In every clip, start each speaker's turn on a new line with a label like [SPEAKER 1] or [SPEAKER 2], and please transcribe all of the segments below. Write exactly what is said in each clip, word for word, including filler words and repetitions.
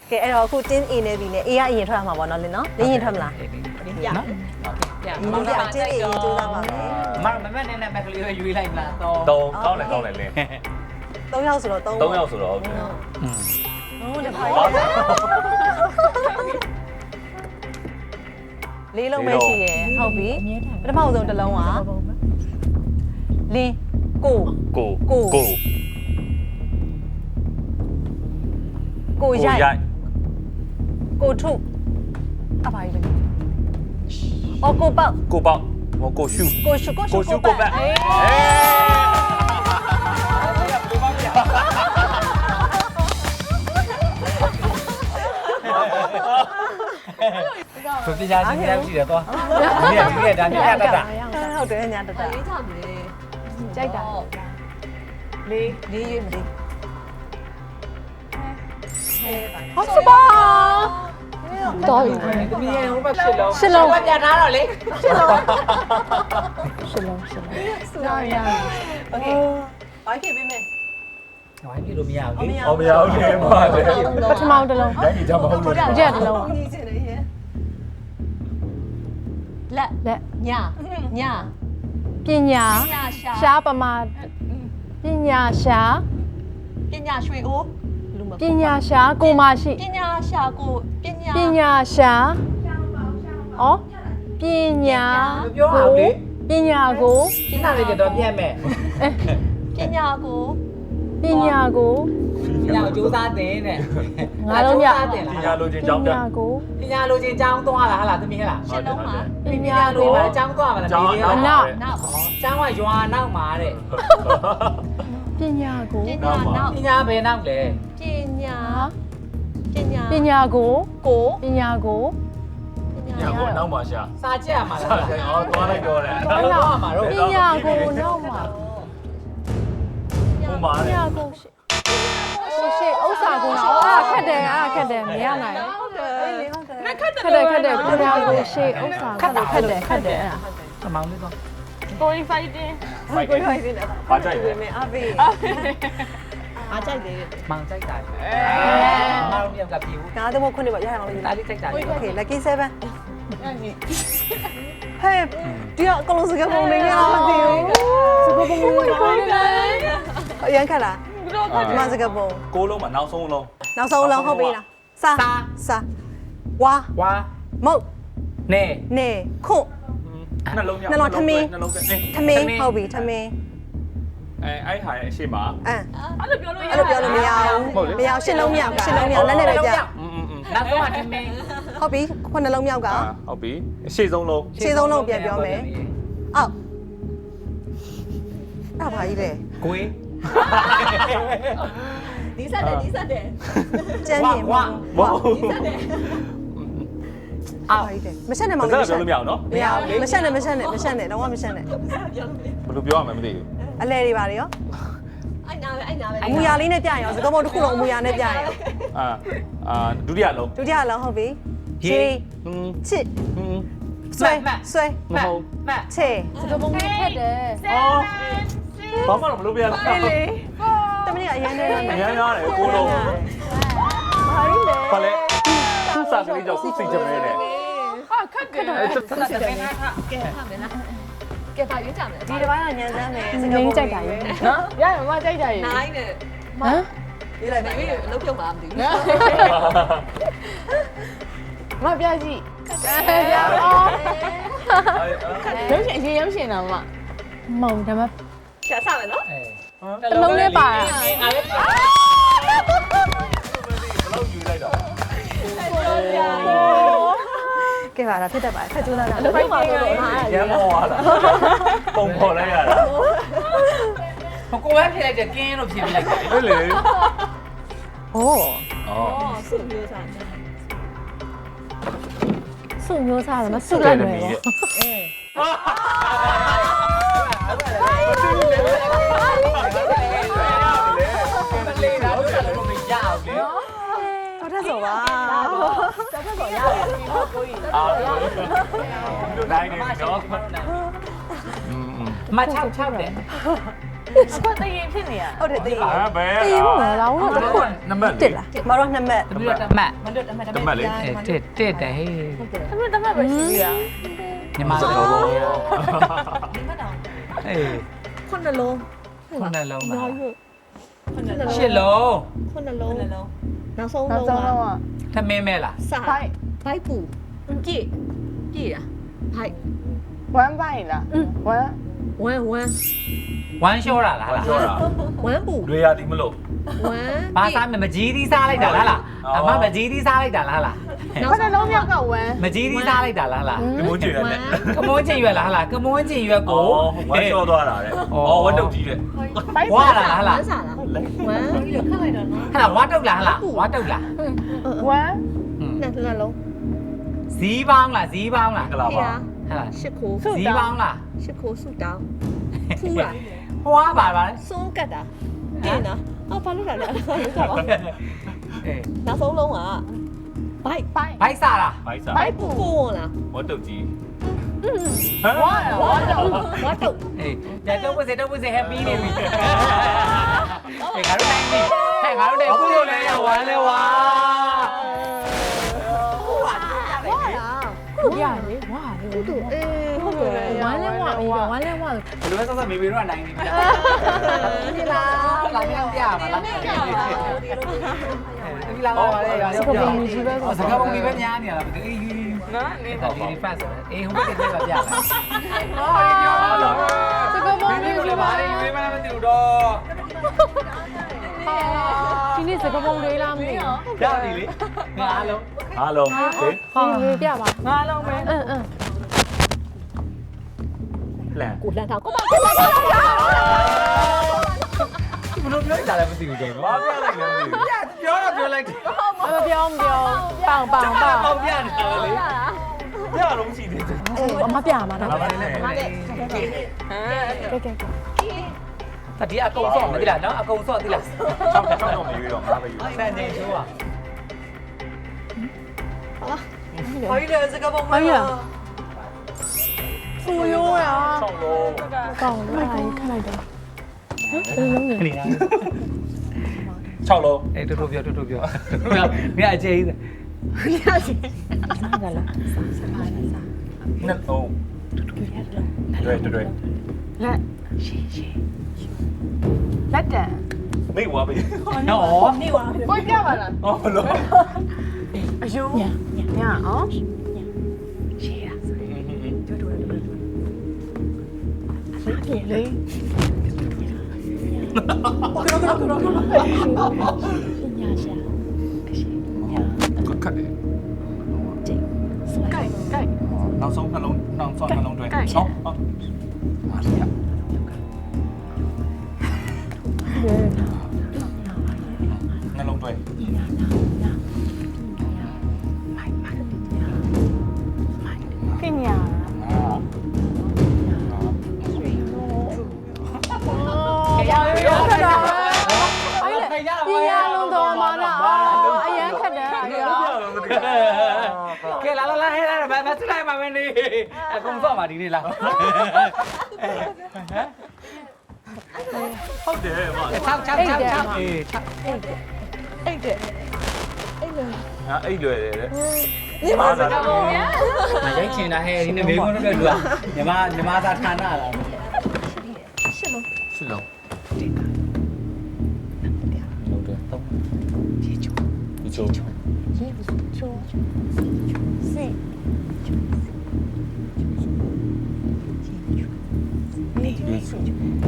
[SPEAKER 1] ကဲအဲ့တော့အခုတင်း A နဲ့ B နဲ့ A ကအရင်ထွက်ရမှာပေါ့နော်လင်းနော်လင်းရင်ထွက်မလား
[SPEAKER 2] ရနော်ရမောင်ကတင်း A ရင်ကြိုးစားပါမယ်မမမနဲ့နဲ့မက်ကလေးရွေးလိုက်မလားတော့
[SPEAKER 3] တုံးကောင်းတယ်ကောင်းတယ်လင်း
[SPEAKER 1] သုံးယောက်ဆိုတော့သုံး
[SPEAKER 3] သုံးယောက်ဆိုတော့ဟုတ်တယ်
[SPEAKER 1] ဟုတ်တယ်ပါလေးလုံးပဲရှိရယ်ဟုတ်ပြီပထမဆုံးတစ်လုံးကလင်းကို
[SPEAKER 3] ကို
[SPEAKER 1] ကို
[SPEAKER 3] ကို
[SPEAKER 1] ကိုရိုက်ကိုထုအပါကြီးပဲအော်ကိုပေါက်
[SPEAKER 3] ကိုပေါက်ဟိုကိုရှူ
[SPEAKER 1] ကိုရှုကိုရှု
[SPEAKER 3] ကိုရှူကိုပတ်အေး
[SPEAKER 2] သူပြညာချင်းများရှိတယ်တော့ဒီကဒီကဒါညတတာ
[SPEAKER 1] ဟုတ်တယ်ညာတတ
[SPEAKER 4] လေးချမယ်
[SPEAKER 1] ကြိုက်တာလေးလေးရွေးမလေးဟုတ်စပါတော်ပြီ
[SPEAKER 2] တမီးရဲ့ဟိုဘက်ရှစ်လုံး
[SPEAKER 1] ရှစ်လုံး
[SPEAKER 2] ပြထားတော့လေရှစ်လုံး
[SPEAKER 1] ရှစ်လုံးရှစ်လုံး
[SPEAKER 4] စူရရโอเคဘာဖြစ်ပေးမယ်
[SPEAKER 2] ဝိုင်းပြလို့မရဘူးလေ
[SPEAKER 3] အော်မရဘူးလေပါတယ်
[SPEAKER 1] ပထမတစ်လုံး
[SPEAKER 3] တိုင်းကြီးကြမဟုတ်လို့
[SPEAKER 1] ကြက်တစ်လုံး
[SPEAKER 4] ညီချင်တယ်ရဲ့လက်
[SPEAKER 1] လက်
[SPEAKER 4] ညည
[SPEAKER 1] ပညာ
[SPEAKER 4] ညရှာ
[SPEAKER 1] ရှားပမာပညာရှား
[SPEAKER 4] ပညာရွှေအိုးလူမ
[SPEAKER 1] ပညာရှားကိုမရှိ
[SPEAKER 4] ပညာရှာကိုပညာ
[SPEAKER 1] ပညာရှားဩပညာ
[SPEAKER 2] ပြောအောင်လေ
[SPEAKER 1] ပညာကို
[SPEAKER 2] ရှင်းတာလေးကတော့ပြတ်မဲ့
[SPEAKER 4] ပညာကို
[SPEAKER 1] ပညာကို
[SPEAKER 2] ပညာကိုစူးစမ်းတဲ့တဲ့
[SPEAKER 1] ငါလုံးရ
[SPEAKER 3] ပညာလိုချင်
[SPEAKER 1] ပ
[SPEAKER 3] ကြောင်းပြ
[SPEAKER 1] ညာကို
[SPEAKER 2] ပညာလိုချင်ကျောင်းသွားလားဟာလားတမီးဟလား
[SPEAKER 4] ရှင်းလုံးမှာ
[SPEAKER 1] ပ
[SPEAKER 2] ပ
[SPEAKER 1] ညာ
[SPEAKER 2] ညာလို
[SPEAKER 1] ကို
[SPEAKER 2] ပါကျောင်းသွားမှာလား
[SPEAKER 3] ကျောင်း
[SPEAKER 2] ဒီ
[SPEAKER 3] အ
[SPEAKER 2] က
[SPEAKER 3] နောက်
[SPEAKER 4] နောက်
[SPEAKER 2] ကျောင်းကရွာနောက်မှာတဲ့
[SPEAKER 1] ပညာကို
[SPEAKER 4] ပညာနောက်
[SPEAKER 2] ပညာဘယ်နောက်လဲ
[SPEAKER 4] ပညာပညာ
[SPEAKER 1] ပညာကို
[SPEAKER 4] ကို
[SPEAKER 1] ပညာကို
[SPEAKER 4] ပညာ
[SPEAKER 3] ညာကိုနောက်မှာရှာ
[SPEAKER 2] စာကြက်မှာလား
[SPEAKER 3] အော်သွားလိုက်တော့တယ်
[SPEAKER 2] ဘာလို့သွားမှာတော့
[SPEAKER 1] ပညာကိုနောက်မှာ
[SPEAKER 3] ဟိုမှာ
[SPEAKER 1] ပ
[SPEAKER 3] လေ
[SPEAKER 1] ညာကိုရှိရှိဥစ္စာကိုနော်အာခက်တယ်အာခက်တယ်မရနိုင်
[SPEAKER 4] ဟုတ်တယ်ဟုတ်တယ်
[SPEAKER 1] ခက်တယ်ခက်တယ်ပညာကိုရှိဥစ္စာခက်တယ်ခက်တယ်ခက်တယ်အဲ့ဒါ
[SPEAKER 2] အမောင်လေးတော့
[SPEAKER 4] story fighting
[SPEAKER 3] ဖိုက်တယ်ဘာကြိုက်လဲ
[SPEAKER 4] အဖေအားကြိုက်တယ်
[SPEAKER 2] မောင်ကြိုက်တာအဲမောင်မြောက်ကပြေဘူး
[SPEAKER 1] ငါတို့မခွန်းနေပါရအောင်လို့
[SPEAKER 2] ဒါလေးကြိုက်တာ
[SPEAKER 1] โอเค lucky seven ဟဲ့ဒီကအကလုံးစကားပုံနေရမသိဘူးစကားပုံနေအရန်ခက်လားဒီမှာစကားပုံ
[SPEAKER 3] ကိုလုံးမှာနောက်ဆုံးလုံး
[SPEAKER 1] နောက်ဆုံးလုံးဟုတ်ပြီလားစာစာဝါ
[SPEAKER 2] ဝါ
[SPEAKER 1] မုတ်
[SPEAKER 2] နေ
[SPEAKER 1] နေခွန့်
[SPEAKER 3] နှလုံးမြောက်
[SPEAKER 1] နှလုံးထမင်း
[SPEAKER 3] နှလုံးကအေး
[SPEAKER 1] ထမင်းဟုတ်ပြီထမင်း
[SPEAKER 3] အဲအဲ့ဟာရဲ့အရှိမ
[SPEAKER 1] အဲ
[SPEAKER 4] အဲ့လိုပြောလို့ရ
[SPEAKER 1] အဲ့လိုပြောလို့မရဘူးမရရှစ်လုံးမြောက်ကရှစ်လုံးမြောက်လက်နဲ့ပဲပြ
[SPEAKER 3] อืมอืม
[SPEAKER 2] နောက်ဆုံးကထမင်း
[SPEAKER 1] ဟုတ်ပြီခုနှစ်လုံးမြောက်က
[SPEAKER 3] အာဟုတ်ပြီအရှိဆုံးလုံး
[SPEAKER 1] ရှစ်ဆုံးလုံးပြန်ပြောမယ်အောက်အဲ့ဘာကြီးလဲ
[SPEAKER 2] ကိုေး
[SPEAKER 4] ဒီဆက်တယ်ဒီဆက်တယ်
[SPEAKER 1] ကျန်းမြင်
[SPEAKER 3] ဝါဝါ
[SPEAKER 4] ဒီဆက်တယ်
[SPEAKER 1] အောက်ကြီးတယ်မဆက်နဲ့မောင်
[SPEAKER 3] စကားပြောလို့မရအောင်နော်
[SPEAKER 1] မရဘူးမဆက်နဲ့မဆက်နဲ့မဆက်နဲ့တော့မဆက်နဲ့
[SPEAKER 4] ပြောလို့မရ
[SPEAKER 3] ဘယ်လိုပြောရမလဲမသိဘူး
[SPEAKER 1] အလဲတွေပါလေရော
[SPEAKER 4] အဲ့နာပဲအဲ့နာပဲ
[SPEAKER 1] အမူအရာလေးနဲ့ပြရအောင်စကားပုံတစ်ခုလုံးအမူအရာနဲ့ပြရအောင်
[SPEAKER 3] အာအာဒုတိယလုံး
[SPEAKER 1] ဒုတိယလုံးဟုတ်ပြီ
[SPEAKER 2] ရေ
[SPEAKER 3] อืม
[SPEAKER 1] ချစ်
[SPEAKER 3] อืม
[SPEAKER 1] ဆွဲဆွဲ
[SPEAKER 2] မဟုတ်မ
[SPEAKER 1] ချေစကားပုံနဲ့ဖက်တယ်
[SPEAKER 3] အော်ဘာမှမလုပ်ပြရလား
[SPEAKER 1] တမီးကအရင်နဲ့
[SPEAKER 3] အများများတယ်ကိုလုံး
[SPEAKER 1] ဘာကြီးလဲ
[SPEAKER 3] ဘာလဲသူ့စာကလေးကြောင့်ခုစိတ်ကြမဲနဲ့
[SPEAKER 4] ဟာခက်တယ်
[SPEAKER 3] အဲ့ဒါ
[SPEAKER 2] ဆက်ဆက်ပေးထား
[SPEAKER 4] ကဲဟာမယ်လားကဲပါရွေးကြမယ်
[SPEAKER 1] ဒီတစ်ပိုင်းကညံစမ်းမယ်စ
[SPEAKER 5] င
[SPEAKER 1] ကား
[SPEAKER 5] င်း
[SPEAKER 1] ပုံ
[SPEAKER 5] ကြိုက်တာရေနော်ရရမကြိုက်တာရေ
[SPEAKER 4] နိုင်နဲ့
[SPEAKER 5] ဟမ်
[SPEAKER 1] ဒီလိုက်ပါ
[SPEAKER 4] ရွေးအလုပ်ပြုတ်မှာမသိဘူး
[SPEAKER 5] မပြကြည့်ပြရုပ်ရှင်အရင်ရုပ်ရှင်တော့မမုံဒါမှ
[SPEAKER 4] ရှာစမယ်နော်
[SPEAKER 5] တလုံးလေးပါတာ
[SPEAKER 2] အားလေး
[SPEAKER 3] ဘလောက်ယူလိုက်တော့
[SPEAKER 1] ကဲပါလားဖြစ်တတ်ပါတယ်ဖက်ကျိုးသားတာ
[SPEAKER 5] ဖိုက်တင်က
[SPEAKER 3] ရမ်းမောသွားတာပုံပေါ်လိုက်ရတာ
[SPEAKER 2] ဟိုကိုပဲဖြစ်လိုက်တယ်ကင်းလို့ဖြစ်လိုက်တယ်
[SPEAKER 3] ဟုတ်လေ
[SPEAKER 1] ဟော
[SPEAKER 3] အော်
[SPEAKER 4] အော်စုမျိုးစားတယ်
[SPEAKER 5] စုမျိုးစားတယ်မစုလိုက်မယ်
[SPEAKER 2] လေးလာလို့လည်းမရအောင်လေ
[SPEAKER 1] တော်ထက်ဆိုပါ
[SPEAKER 5] ဆက်ဆက်တော့ရတယ်ဒီတော့ကိုကြီး
[SPEAKER 3] အာနိုင်နေနော်อืม
[SPEAKER 2] မချောက်ချောက်တယ်
[SPEAKER 5] အခုတရင်ဖြစ်နေရ
[SPEAKER 1] ဟုတ်တယ်တည်
[SPEAKER 3] ဟာဘယ်
[SPEAKER 5] တရင်မလားတော့တစ်ခု
[SPEAKER 3] နံပါတ်
[SPEAKER 1] တက်လားမတော်နှစ်မှတ်
[SPEAKER 2] တပြည့်တမတ်
[SPEAKER 4] မလွတ်တမတ်တ
[SPEAKER 3] နံပါတ်လေး
[SPEAKER 2] အဲတက်တက်တယ်ဟေး
[SPEAKER 5] တမတမပဲရှိသေးတာ
[SPEAKER 2] ညီမတို့ဘောအေး
[SPEAKER 4] ခုနှလုံး
[SPEAKER 2] ခုနလုံးပါ
[SPEAKER 4] ခုနှလုံး
[SPEAKER 2] ရှစ်လုံး
[SPEAKER 4] ခုနှလုံးနောက်ဆုံး
[SPEAKER 5] နောက်
[SPEAKER 4] လုံး
[SPEAKER 5] ဆုံး
[SPEAKER 4] က
[SPEAKER 5] တော့
[SPEAKER 2] သမင်းမဲလား
[SPEAKER 4] စဘိုက်ဘိုက်ပူပြည့်ပြည့်တာဘိုက်
[SPEAKER 5] ဝမ်းပိုင်လားဝမ်း
[SPEAKER 4] ဝမ်းဝမ်း
[SPEAKER 2] ဝမ်းလျှောတာလားလား
[SPEAKER 3] ပြောတာ
[SPEAKER 4] ဝမ်းပူ
[SPEAKER 3] တွေရသည်မလို့
[SPEAKER 4] ဝမ်း
[SPEAKER 2] ဘာစားမကြီးသီးစားလိုက်တာလားလားအမမကြီးသီးစားလိုက်တာလားလား
[SPEAKER 5] ခဏလုံးမြောက်ကဝမ်း
[SPEAKER 2] မကြီးသီးစားလိုက်တာလားလား
[SPEAKER 3] ဒီမိုးကြည့်ရနဲ့
[SPEAKER 2] ကမွန်းချင်ရွက်လားလားကမွန်းချင်ရွက်ကို
[SPEAKER 3] အော်ဝမ်းလျှောသွားတာတဲ့အော်ဝတ်တုတ်ကြီးတဲ့
[SPEAKER 2] ဝါလားလား
[SPEAKER 4] ဝ
[SPEAKER 2] လား
[SPEAKER 4] မ်းစားလားဝမ်းပြီးတော့ခတ်လိုက်တော့နော်
[SPEAKER 2] ဟဲ့လားဝါတုတ်လားဟလားဝါတုတ်လား
[SPEAKER 5] ဝမ်း
[SPEAKER 4] နှစ်နှလုံး
[SPEAKER 2] ဇီးပေါင်းလားဇီးပေါင်းလား
[SPEAKER 3] ကလာပါ
[SPEAKER 2] ဟဲ့လား
[SPEAKER 4] ရှစ်ခိုး
[SPEAKER 2] ဇီးပေါင်းလား
[SPEAKER 4] ရှစ်ခိုးဆူတောင်းဖူးလား
[SPEAKER 2] ဟွာပါပါလဲ
[SPEAKER 4] စွန်းကတ်တာတင်နော်အော်ဘာလို့လဲလဲဟုတ်ပါ
[SPEAKER 2] အေး
[SPEAKER 4] နောက်ဆုံးလုံးကဘိုက်
[SPEAKER 5] ပိုင်
[SPEAKER 2] ဘိုက်စားလား
[SPEAKER 3] ဘိုက်စာ
[SPEAKER 4] ဘိုက်ပူကိုလား
[SPEAKER 3] ဝတ်တုတ်ကြီး
[SPEAKER 5] ဝမ်းဝမ်းတော့
[SPEAKER 4] ဝတ်တော့
[SPEAKER 2] အေးကြတော့ဝစ်စတော့ဝစ်စဟက်ပီးနေပြီအေးငါတို့နိုင်ပြီဟဲ့ငါတို့နိုင်ခုလို့လဲဝမ်းလဲဝါ
[SPEAKER 5] ခုရလေဝါလေ
[SPEAKER 4] တူအေးဟုတ်တယ်
[SPEAKER 5] ဝမ်းလဲဝါဝမ်းလဲဝါ
[SPEAKER 2] ဘယ်လိုလဲဆက်ဆက်မေမေတို့ကနိုင်နေပြီလားဒီလားလာမြောက်ပြပါလားဒီလာလာပါလေရော
[SPEAKER 5] စကပုံကြီးပဲ
[SPEAKER 2] စကားပုံကြီးပဲများနေရလားအေးနော်နေတော့ဒီဖတ်ဆိုအေးဟိုဘက်ကနေပြပြလိုက်ဟာဒီပြောတော့
[SPEAKER 5] စကပုံ
[SPEAKER 2] မင်း
[SPEAKER 5] ကြီး
[SPEAKER 2] တို့လည်းဘာတွေရွေးမှလည်းမသိဘူးတော့
[SPEAKER 5] ဒီနေ့စကပုံလေးလားမသိဘူး
[SPEAKER 2] ရပြီလေငါလုံး
[SPEAKER 3] အားလုံးဟေး
[SPEAKER 5] ဟာလေးပြပါငါလုံးပဲအင်းအင်း
[SPEAKER 3] လန်
[SPEAKER 4] ကိုလန်တာကိုပါ
[SPEAKER 2] ဘယ်လိုပြောကြလဲမသိဘူးတော့
[SPEAKER 3] ဘာပြလိုက်လဲမသိဘူး
[SPEAKER 2] ပြပြောတော့ပြောလိုက်တယ်
[SPEAKER 5] မပြောမပြောပေါင်ပေါင်ပေါင်
[SPEAKER 2] ပေါင်ပြနေတာလေ
[SPEAKER 3] ပြလုံးရှိသေးတယ်
[SPEAKER 5] အမပြမှာနော်
[SPEAKER 3] ဘာပါလဲ
[SPEAKER 2] မတဲ့
[SPEAKER 5] ကဲကဲ
[SPEAKER 2] တတိအကုန်စော့မသိလားနော်အကုန်စော့သိလား
[SPEAKER 3] ချောက်ချောက်တော့မရွေးတော့ငါပဲယူ
[SPEAKER 2] စံချိန်ရှိုးอ่ะ
[SPEAKER 1] ဟိုလေစကပုံမ
[SPEAKER 5] အေးရဖူရိုးရ
[SPEAKER 3] ချောက်လုံး
[SPEAKER 5] ကောင်းလိုက်ခလိုက်တော့ဟမ်ဘယ်လုံးလဲ
[SPEAKER 2] ခဏလား
[SPEAKER 3] ချောက်လုံး
[SPEAKER 2] အေးတူတူပြောတူတူပြောမင်းအကျေးကြီး
[SPEAKER 5] စားကြလား
[SPEAKER 3] နှစ်လုံးတွေ့တွေ့
[SPEAKER 5] လက်ရှင်းရှင်းလက်တံ
[SPEAKER 3] မိတ်ဝါပြီ
[SPEAKER 2] နော်
[SPEAKER 5] ကိုပြပါလား
[SPEAKER 3] အော်ဘလို့
[SPEAKER 5] အယုံညညအောင်ရှေ့ရပြေလေ
[SPEAKER 3] ခက်တယ်ကိုက်ကိုက်နောက်ဆုံးနှလုံးနောက်ဆုံးနှလုံးတွဲဟောဟောအားရနှလုံးတွဲ
[SPEAKER 5] ကညာ
[SPEAKER 3] အာ
[SPEAKER 2] ရရရ
[SPEAKER 5] အဲ့ဒါဒီရလုံးတော်မှာလားအရန်ခက်တယ်
[SPEAKER 2] ကဲလာလာလာဟဲ့လာမမစလိုက်ပါမင်းနေအကုန်စော့ပါဒီနေ့လား
[SPEAKER 3] ဟုတ်တယ်မ
[SPEAKER 2] ချောက်ချောက်ချောက်ချောက်အေး
[SPEAKER 1] အိတ်တယ်
[SPEAKER 3] အာအိတ်လွယ်တယ်တဲ့
[SPEAKER 1] ညီမစကပုံရ
[SPEAKER 2] မရိုက်ချင်တာဟဲ့ဒီနေ့မေကုန်းတော့လူကညီမညီမသာဌာနလား
[SPEAKER 3] စစ်လုံး
[SPEAKER 2] လုံးတယ်တော့ပြေချို
[SPEAKER 3] ဒီချို
[SPEAKER 5] စီ
[SPEAKER 3] ဒီချို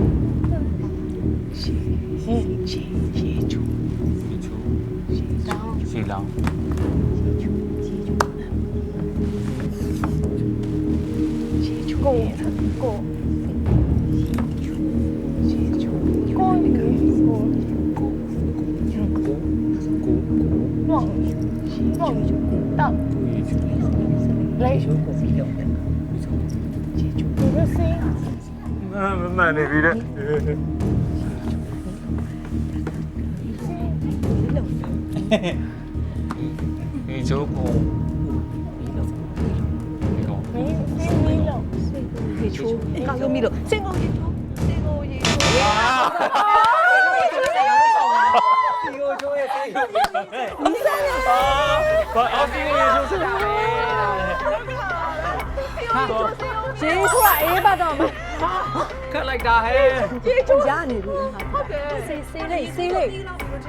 [SPEAKER 3] စီလောင်း
[SPEAKER 5] ကိုကိုကိုကို旺旺到雷你的心
[SPEAKER 3] မမှန်နေပြီတဲ့ဒီချိုကို
[SPEAKER 5] 没没没了
[SPEAKER 1] ဒီချိုးကောင်းလို့မီလို့စင်ကုန်ရေချိုးစင်ကုန်
[SPEAKER 2] စီကိုချိုးရဲ့စီကို
[SPEAKER 3] ဘာအော်ဒီရေဆိုစတာပဲ
[SPEAKER 1] ရေဆိုတာအေးပါတော့မ
[SPEAKER 2] ခက်လိုက်တာဟဲ့
[SPEAKER 1] ရေချိုးရနေပြီဟုတ်တယ်စေးစေးလေးစေးလေးတဲ့ဟုတ်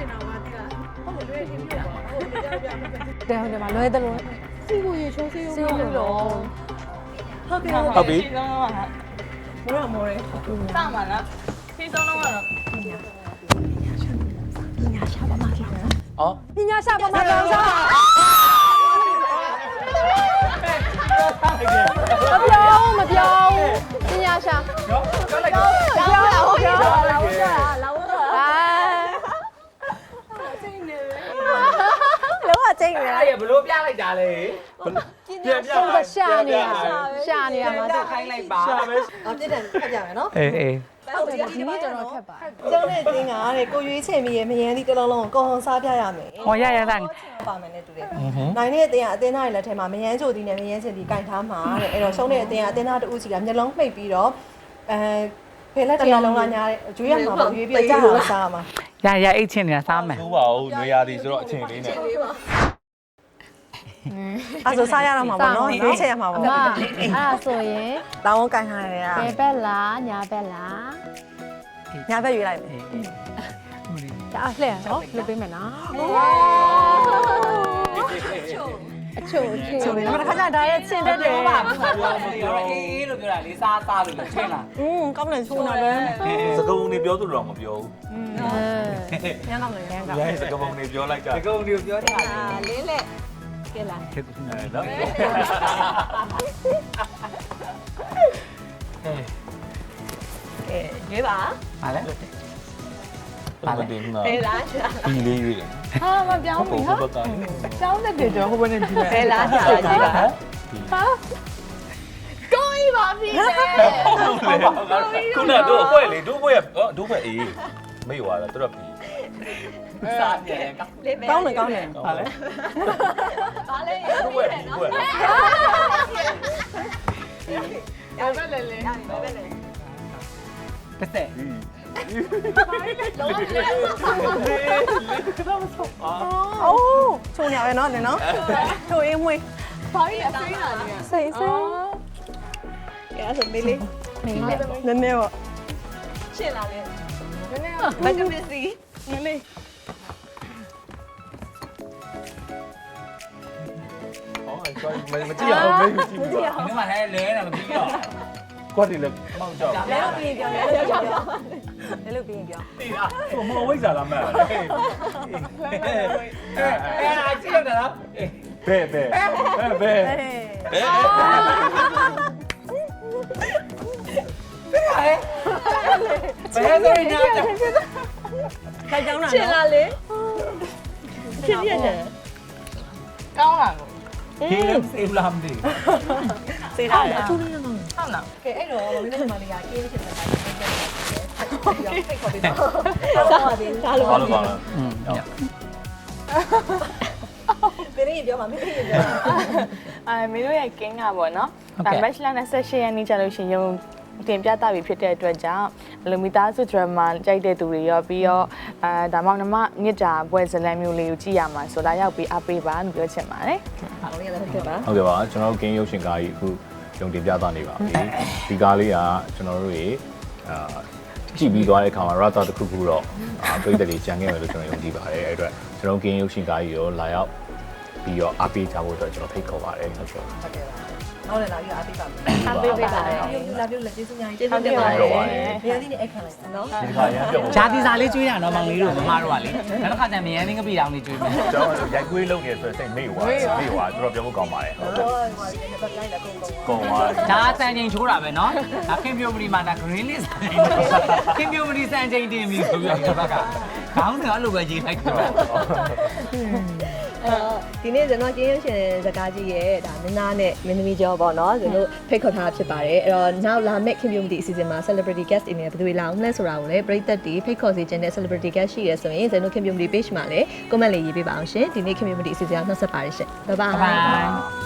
[SPEAKER 1] တယ်မှာလွဲတယ်လို့စီကိုရေချိုးစေးစေးလို့တော့ဟုတ်ပြီ
[SPEAKER 3] ဟုတ်ပြီ
[SPEAKER 4] မောရမောရစမှာလားခေးဆုံးတော့ကတော့
[SPEAKER 3] အော်
[SPEAKER 1] ပညာရှာပါမှာတော့စားမပြောမပြောပညာရှာ
[SPEAKER 2] နော်ခက်လိုက်တာ
[SPEAKER 1] ပြောလာဟုတ်ပြောလာဟုတ်ပြောလာဟုတ်ပြောအာလောကချိန်နေ
[SPEAKER 2] အဲ့ရဘလို့ပြလိုက်တာလေ
[SPEAKER 3] ပြန်ပြန်
[SPEAKER 1] ဆုံးရှာနေရရှာနေရမှာ
[SPEAKER 2] တက်ခိုင်းလိုက်ပါ
[SPEAKER 3] ရှာပဲ
[SPEAKER 1] အော်ပြစ်တယ်ဖတ်ကြမယ်နော်
[SPEAKER 2] အေးအေး
[SPEAKER 1] ဟုတ်တယ်ဒီနေ့တော်တော်ခက်ပါကျောင်းနဲ့တင်းကတဲ့ကိုရွေးချယ်မိရဲ့မယန်းဒီတစ်လုံးလုံးကိုဟောစားပြရမယ်
[SPEAKER 2] ဟောရရတဲ့
[SPEAKER 1] ပါမယ်နဲ့တူတယ်နိုင်တဲ့အတင်းကအတင်းသားတွေလက်ထဲမှာမယန်းချိုတီနဲ့မယန်းချင်တီကင်ထားမှာတဲ့အဲ့တော့ရှုံးတဲ့အတင်းကအတင်းသားတူးစီကမျက်လုံးမှိတ်ပြီးတော့အဲဖေလက်တရားလုံးလာညာတဲ့ကျွေးရမှာပေါ့ရွေးပြီးကြာအောင်စားမှာ
[SPEAKER 2] ရရအိတ်ချင်းနေတာစားမယ်
[SPEAKER 3] ဘူးပါဦးနွေရာသီဆိုတော့အချိန်လေးနဲ့
[SPEAKER 1] အဲ့ဆိုစားရတော့မှာပေါ့နော်နောက်ချက်ရမှာပေါ့
[SPEAKER 5] အမအဲ့ဒါဆိုရင်
[SPEAKER 1] တောင်းကင်ထားရတယ်
[SPEAKER 5] ဘယ်ဘက်လားညာဘက်လား
[SPEAKER 1] ညာဘက်ရွေးလိုက်မယ်
[SPEAKER 5] ဒါအလှည့်နော်လုပ်ပေးမယ်နော်အချို့အချို့
[SPEAKER 1] ချိုးတယ်ဒါခါကျဒါရဲ့ချင်းတက်တယ်
[SPEAKER 2] ပါဘူးပါဘူးပြောအေးအေးလို့ပြောတာလေစားစားလို့ချင်းလား
[SPEAKER 1] อืมကောင်းတယ်ချိုးတော့လေ
[SPEAKER 3] စကုံနေပြောသူတော့မပြောဘူး
[SPEAKER 1] ညကောင်းတယ်ညကောင်း
[SPEAKER 3] ရဲစကုံနေပြောလိုက်တာ
[SPEAKER 2] ဒီကောင်ဒီကိုပြောတာ
[SPEAKER 4] လင်းလက်ကဲလား
[SPEAKER 2] ခေတ်ကူနေ
[SPEAKER 3] နော်
[SPEAKER 1] ကဲရွေးပါ
[SPEAKER 2] ဟာလေ
[SPEAKER 3] ပါလေတင်နော်
[SPEAKER 4] ဘယ်လားရှာ
[SPEAKER 3] ဒီလေးရွေးတယ်
[SPEAKER 5] ဟာမပြောင်း
[SPEAKER 3] ဟုတ်
[SPEAKER 5] ဘူး
[SPEAKER 3] ဟုတ်
[SPEAKER 5] ဟာ
[SPEAKER 3] ပါက
[SPEAKER 5] ကျောင်းတဲ့ပြေကျော်ဟိုဘက်နဲ့ဒီဘက်
[SPEAKER 4] ဘယ်လားရှာကြည့်ပါ
[SPEAKER 5] ဟာကိုကြီးပါပြီလေ
[SPEAKER 3] ခုနကတော့အဖွဲလေဒုဘွဲဒုဘွဲအေးမေ့သွားတာတော်ပြီ
[SPEAKER 2] စားတယ်
[SPEAKER 4] လေးပဲ
[SPEAKER 1] ကောင်းတယ်ကောင်းတယ်
[SPEAKER 2] ဟာလေ
[SPEAKER 4] ပါလေ
[SPEAKER 3] ဒုဘွဲဒုဘွဲ
[SPEAKER 4] ရပါလေလေရပါလေလေ
[SPEAKER 2] တစ်သက်
[SPEAKER 4] လုံးဝလေ
[SPEAKER 1] အိုးချိုးနေရနော်နင်နော်ချိုးအင်းမွေး
[SPEAKER 4] ဘာကြီးအသိလာနေရ
[SPEAKER 1] စိတ်စိတ်
[SPEAKER 4] ကဲအဲ့ဆိုမေးလေး
[SPEAKER 5] နေလေ
[SPEAKER 1] နည်းနည်းပေါ့
[SPEAKER 4] ရှင်းလာလေနည်းနည်းဗက်တမင်စီနည်းလေး
[SPEAKER 3] အော်ဆိုမကြည့်အောင်မေ့ကြည့်ဘူး
[SPEAKER 2] ဒီမှာလည်းလဲနေမပြီးတော့
[SPEAKER 3] ကွက်ဒီလေမောက်ကြောက်
[SPEAKER 1] လဲလို့ပြီးရင်ပြောလဲလို့ပြောလဲလို့ပြီးရင်ပြော
[SPEAKER 3] တိလားဟိုမဝိဇ္ဇာလားမဲ့
[SPEAKER 2] အဲ့ဒါကြည့်ရတာလား
[SPEAKER 3] ဘဲဘဲဘဲဘဲ
[SPEAKER 1] ဟေး
[SPEAKER 2] ဘယ်ဆိုရင်ညာကြ
[SPEAKER 1] ခိုင်ကြောင်းတာ
[SPEAKER 4] ရှင်းလာလေရှင်းရတယ်ကောင်းလား
[SPEAKER 2] ဟင်းစေးလာမသိ
[SPEAKER 1] စေးထားတယ်
[SPEAKER 4] ဟုတ်လား
[SPEAKER 1] ကဲအဲ့တော့မင်းတို့မလေးကကင်းချင်တဲ့တိုင်းဖိတ်ခေါ်ပေးပါဆောပါသေးဒါလို
[SPEAKER 3] ဘာလို့ပါလဲ
[SPEAKER 2] อืม
[SPEAKER 1] မင်းကြီးပြောပါမင်းကြီးပြော
[SPEAKER 6] အဲမင်းတို့ရဲ့ကင်းကပေါ့နော်။ဒါ match လနဲ့ဆက်ရက်နေ့ကျလို့ရှိရင်ရုံတင်ပြတာပြီဖြစ်တဲ့အတွက်ကြောင့်ဘလိုမီသားစု drama ကြိုက်တဲ့သူတွေရောပြီးတော့အဲဒါမှမဟုတ်မြစ်တာပွဲဇလန်မျိုးလေးကိုကြည့်ရမှာဆိုလာရောက်ပြီးအားပေးပါလို့ပြောချင်ပါတယ်
[SPEAKER 1] အားလုံးရလည်းဖြစ်ပါ
[SPEAKER 3] ဟုတ်ကဲ့ပါကျွန်တော်တို့ game ရုပ်ရှင်ကားကြီးအခုရုံတင်ပြသနေပါပြီဒီကားလေးကကျွန်တော်တို့ရေအာကြည့်ပြီးသွားတဲ့အခါမှာ rata တစ်ခုခုတော့ပြည်သက်တွေကြံခဲ့မယ်လို့ကျွန်တော်ယုံကြည်ပါတယ်အဲ့အတွက်ကျွန်တော် game ရုပ်ရှင်ကားကြီးကိုလာရောက်ပြီးတော့အားပေးကြဖို့အတွက်ကျွန်တော်ဖိတ်ခေါ်ပါတယ်ဟုတ်ကဲ့
[SPEAKER 1] ဟုတ်ကဲ့ပါနောက်လည်းလာပြီးအားပေးပါမယ်
[SPEAKER 4] အားပေးပေးပါတယ်
[SPEAKER 1] လာပြီးလက်ကျေးဇူးများကြီး
[SPEAKER 4] ကျေးဇူးတင်ပါတယ်
[SPEAKER 1] နေရာဒီနဲ့အခါလိုက်နော်
[SPEAKER 3] ဒီခါရမ်းပြုတ်
[SPEAKER 2] ဂျာတီစာလေးကျွေးရတော့မောင်လေးတို့မမတို့ကလေနောက်တစ်ခါကျရင်မယန်းနေကပြတောင်လေးကျွေးမယ်
[SPEAKER 3] ကျွန်တော်ရိုက်ကွေးလုပ်နေဆိုစိတ်မေ့သွားမေ့သွားတော်တော်ပြောဖို့ကောင်းပါတယ်ဟုတ်ကဲ့
[SPEAKER 1] ဟိုဟိုဒီဘက်တိုင်းလည်းကုန်ကုန်
[SPEAKER 3] ကောင်းပါ
[SPEAKER 2] ဒါစံချိန်ချိုးတာပဲเนาะဒါခင်ပြိုမလီမှာဒါ green list ခင်ပြိုမလီစံချိန်တင်ပြီဆိုပြီးဒီဘက်ကခေါင်းစဉ်အဲ့လိုပဲရေးလိုက်တော့
[SPEAKER 4] အဲဒီနေ့ကျွန်တော်ကျင်းရုပ်ရှင်စကားကြီးရဲ့ဒါမင်းသားနဲ့မင်းသမီးကျော်ပေါ့နော်ကျွန်တော်ဖိတ်ခေါ်ထားဖြစ်ပါတယ်အဲ့တော့နောက်လာမယ့် community အစီအစဉ်မှာ celebrity guest အနေနဲ့ဘယ်သူတွေလာအောင်လဲဆိုတာကိုလည်းပရိသတ်တွေဖိတ်ခေါ်စီခြင်းတဲ့ celebrity guest ရှိရဆိုရင်ကျွန်တော် community page မှာလည်း comment လေးရေးပေးပါအောင်ရှင်ဒီနေ့ community အစီအစဉ်အောင်နှုတ်ဆက်ပါတယ်ရှင် bye bye